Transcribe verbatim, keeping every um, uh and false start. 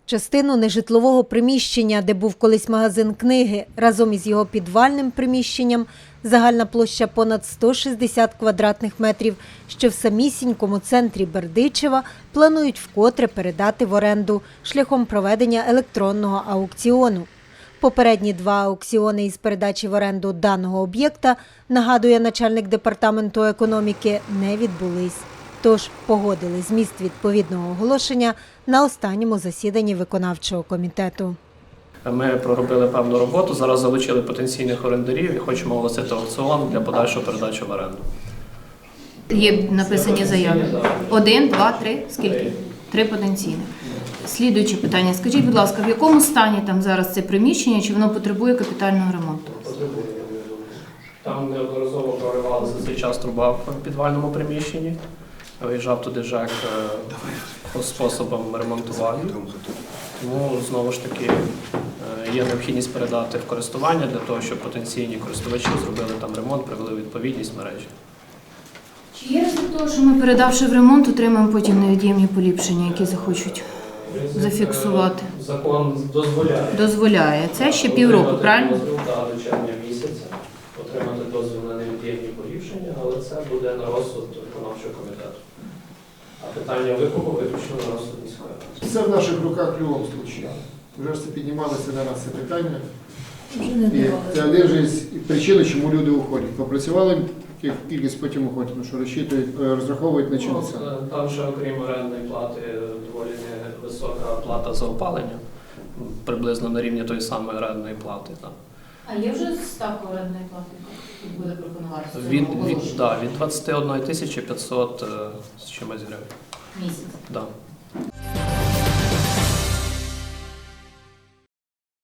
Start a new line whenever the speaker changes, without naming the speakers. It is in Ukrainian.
Частину нежитлового приміщення, де був колись магазин книги, разом із його підвальним приміщенням, загальна площа понад сто шістдесят квадратних метрів, що в самісінькому центрі Бердичева планують вкотре передати в оренду шляхом проведення електронного аукціону. Попередні два аукціони із передачі в оренду даного об'єкта, нагадує начальник департаменту економіки, не відбулись. Тож погодили зміст відповідного оголошення на останньому засіданні виконавчого комітету.
Ми проробили певну роботу, зараз залучили потенційних орендарів і хочемо оголосити аукціон для подальшої передачі в оренду.
Є написані заяви. Один, два, три. Скільки? Три потенційних. Слідуюче питання. Скажіть, будь ласка, в якому стані там зараз це приміщення, чи воно потребує капітального ремонту?
Потребує. Там неодноразово проривалася цей час труба в підвальному приміщенні. Виїжджав туди ЖЕК по способам ремонтування. Тому, знову ж таки, є необхідність передати в користування для того, щоб потенційні користувачі зробили там ремонт, привели відповідність мережі.
Чи є ризик того, що ми, передавши в ремонт, отримаємо потім невід'ємні поліпшення, які захочуть зафіксувати?
Закон дозволяє.
Дозволяє. Це ще півроку, правильно?
Так, до червня місяця отримати дозвіл на невід'ємні поліпшення, але це буде на розсуд виконавчого комітету. А питання викупу виключно на розсуд міської ради.
Це в наших руках в будь-якому випадку. Вже ж це піднімалося на нас це питання. І це один же з причин, чому люди уходять. Попрацювали, кількість потім уходять, тому що розчитують, розраховують на чудеса.
Ну, там ще, окрім орендної плати, доволі висока плата за опалення, приблизно на рівні тої самої орендної плати. Так.
А є вже ставка орендної плати, яка буде пропонуватися?
Від, від, да, від двадцять одна тисяча п'ятсот з чимось гривень.
Місяць.
Да.